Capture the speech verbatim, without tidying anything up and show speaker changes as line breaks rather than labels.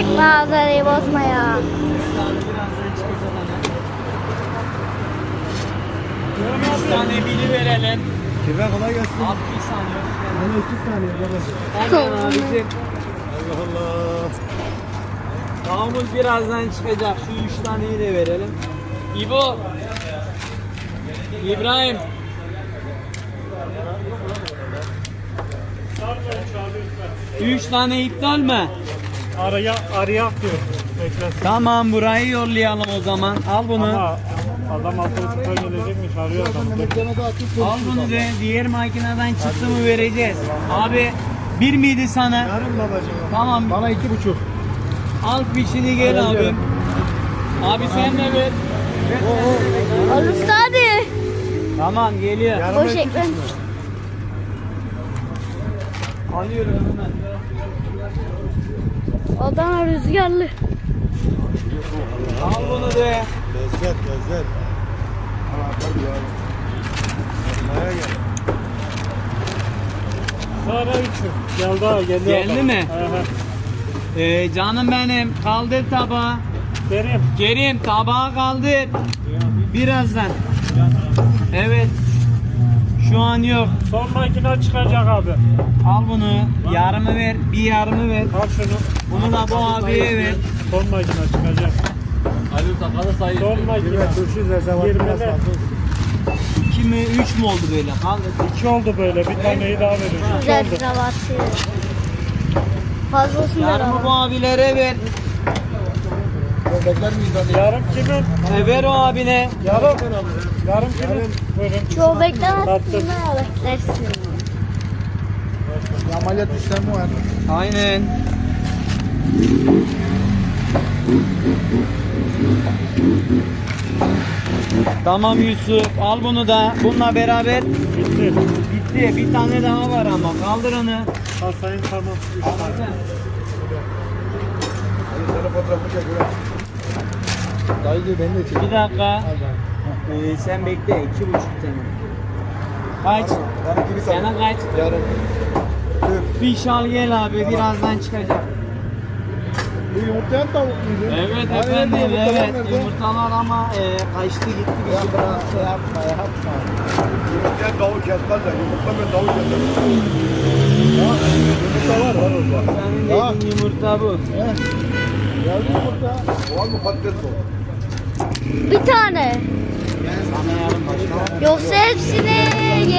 Manzarayı bozma ya.
Bir tane bili verelim.
Kime kolay gelsin.
Abi bir saniye.
Bana iki saniye baba.
Hemen abicim.
Allah Allah.
Tavuğumuz birazdan çıkacak. Şu üç taneyi de verelim. İbo. İbrahim. Üç tane iptal mi?
Araya arayak diyor. Beklesin.
Tamam, burayı yollayalım o zaman. Al bunu.
Ama adam altı buçukta gelecekmiş, arıyor adamı.
Al bunu de. Diğer makineden çıktı mı vereceğiz. Abi bir miydi sana?
Yarın babacığım.
Tamam.
Bana iki buçuk.
Al fişini gel abi. Abi sen de ver.
Al usta abi.
Tamam, geliyor.
Yarın
Boş
iki
ekran.
buçuk.
Alıyorum hemen.
Adana rüzgarlı.
Al bunu de.
Lezzet lezzet. Aa, tabii ya. Maya gel.
Sonra üçü. Geldi ha, geldi.
Geldi
adam.
mi?
Hı hı.
Ee, canım benim, kaldır tabağı.
Vereyim.
Kerim, tabağı kaldır. Birazdan. Evet. Şu an yok.
Son makine çıkacak abi.
Al bunu. Yarımı ver. Bir yarımı ver.
Al şunu.
Bunu da bu abiye ver.
Son makine çıkacak. Son makine.
Kime turşu zerzevatı
Yirmide.
nasıl?
İki mi, üç mü oldu böyle? Kaldır.
İki oldu böyle. Bir taneyi daha verin. İki
Güzel
oldu.
kravatı. Fazlasını da
Yarımı bu
al.
abilere ver.
Bekler miyiz hani?
Yarım kimin?
E, ver o abine.
Yarım. Yarım kimin? Buyurun.
Çoğu beklemezsin
Tattım.
ha, beklersin.
Bir ameliyat işlemi var.
Aynen. Tamam Yusuf, al bunu da. Bununla beraber
Bitti.
bitti. Bir tane daha var ama. Kaldır onu.
Al sayın, tamam. Üç tane.
Hadi sana fotoğrafı çek ulan. Dayı diyor beni de çek.
Bir dakika.
Al bana.
Ee, sen bekle. iki buçuk tane. Kaç?
Ben ikili
Sana
sana.
kaç?
Yarın. Tüp.
Fiş al gel abi. Birazdan çıkacak.
Bu yumurtlayan tavuk muydu?
Evet
Hani
efendim.
nerede yumurtalar
Evet.
nerede?
Yumurtalar ama e, kaçtı gitti. Bir şey bıraktı.
Yapma yapma. Yumurtlayan tavuk kesmez de yumurtlamayan tavuk keser. Ya yumurta var var orada.
Senin
Ya.
dediğin yumurta bu.
He? Geldi yumurta. Var mı patates bu?
Bir tane.
Sana yarın başka.
Yoksa hepsini